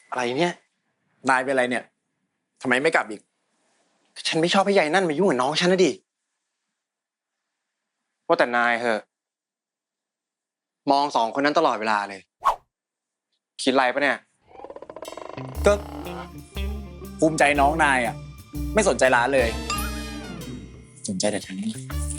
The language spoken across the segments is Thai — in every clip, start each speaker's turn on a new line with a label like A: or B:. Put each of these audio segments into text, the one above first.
A: อะไรเนี่ย
B: นายเป็นอะไรเนี่ยทำไมไม่กลับอีก
A: ฉันไม่ชอบให้ยายนั่นมายุ่งกับน้องฉันนะดิว่าแต่นายเหอะมองสองคนนั้นตลอดเวลาเลยคิดอะไรปะเนี่ย
B: ก็ภูมิใจน้องนายอ่ะไม่สนใจร้านเลยสนใจแต่ทางนี้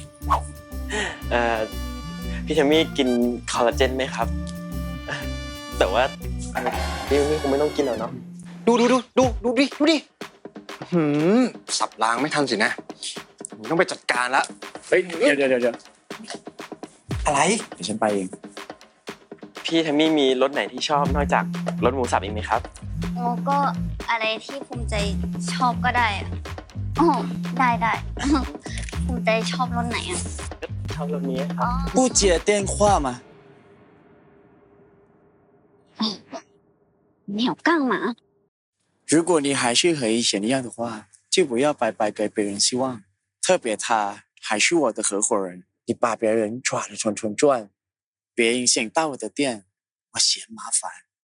C: พี่เทมี่กินคอลลาเจนไหมครับแต่ว่าพี่คงไม่ต้องกินหรอกเนาะ
A: ดูดิสับล้างไม่ทันสินะต้องไปจัดการละ
B: เฮ้ยเดี๋ยว
A: อะไร
B: เดี๋ยวฉันไปเอง
C: พี่เทมี่มีรสไหนที่ชอบนอกจากรสหมูสับอีกไหมครับ
D: โอ้ก็อะไรที่ภูมิใจชอบก็ได้อะอ๋อได้ภูมิใจชอบรสไหนอ่ะ
C: ชอบรสนี้ครับ
B: 不接电话吗
D: 你有干嘛
B: 如果你还是和以前一样的话就不要白白给别人希望特别他还是我的合伙人你把别人抓得团团转别影响到我的店我嫌麻烦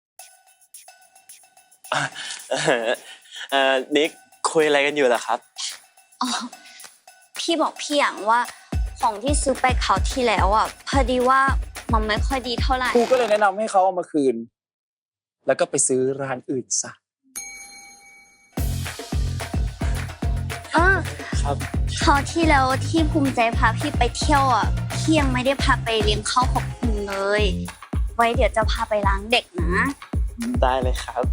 C: นิกคุยอะไรกันอยู่ล่ะครับ
D: อ๋อพี่บอกพี่อย่างว่าของที่ซื้อไปคราวที่แล้วอ่ะพอดีว่ามันไม่ค่อยดีเท่าไหร่
B: กูก็เลยแนะนำให้เขาเอามาคืนแล้วก็ไปซื้อร้านอื่นซะ
C: ครับ
D: คราวที่แล้วที่ภูมิใจพาพี่ไปเที่ยวอ่ะพี่ยังไม่ได้พาไปเลี้ยงข้าวขอบคุณเลยไว้เดี๋ยวจะพาไปล้างเด็กนะ
C: ได้เลยครับ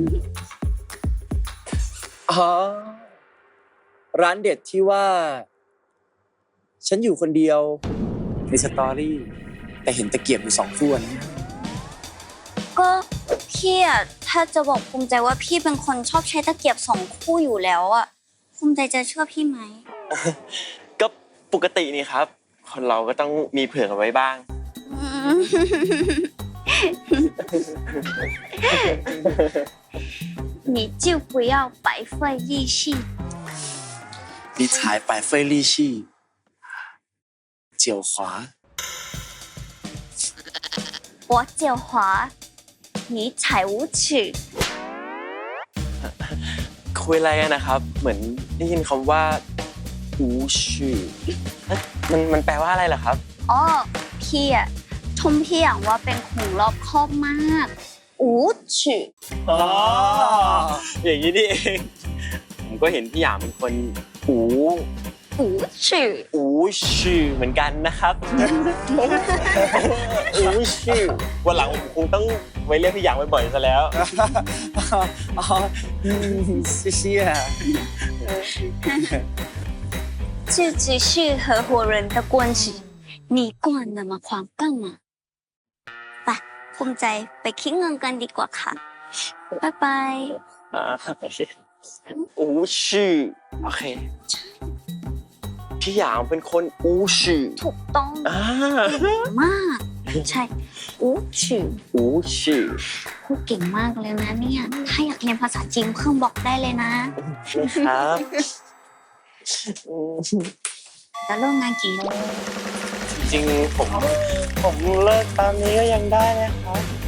B: อ๋อร้านเด็ดที่ว่าฉันอยู่คนเดียวในสตอรี่แต่เห็นตะเกียบอยู่2 คู่นะ
D: ก็พี่อ่ะถ้าจะบอกภูมิใจว่าพี่เป็นคนชอบใช้ตะเกียบ2 คู่อยู่แล้วอ่ะภูมิใจจะเชื่อพี่ไหม
C: ก็ปกตินี่ครับคนเราก็ต้องมีเผื่อเอาไว้บ้าง
D: 你就不要白费力气
B: 你才白费力气狡猾
D: 我狡猾你才无耻
C: คุยอะไรกันนะครับเหมือนได้ยินคำว่าอูชื่อมันแปลว่าอะไรล่ะครับ
D: อ๋อพี่อ่ะชมพี่อย่างว่าเป็นคนรอบคอบมาก无耻
C: อ๋ออย่างนี้นี่เองผมก็เห็นพี่หยางเป็นคนอูชื่อเหมือนกันนะครับอูชื่อวันหลังผมคงต้องไว้เรียกพี่หยางบ่อยๆซะแล้ว
B: อ๋อ谢谢
D: 这只是合伙人的关系你管那么宽干嘛ไปภูมิใจไปคิดเงินกันดีกว่าค่ะบ๊ายบาย
C: อูชื่อโอเคพี่หยางเป็นคนอูชื่อ
D: ถูกต้องมากใช่อูชื่อพูดเก่งมากเลยนะเนี่ยถ้าอยากเรียนภาษาจีนเพิ่มบอกได้เลยนะครับจะเริ่มงานกี่โมง
C: จริงๆผมเลิกตอนนี้ก็ยังได้นะครับ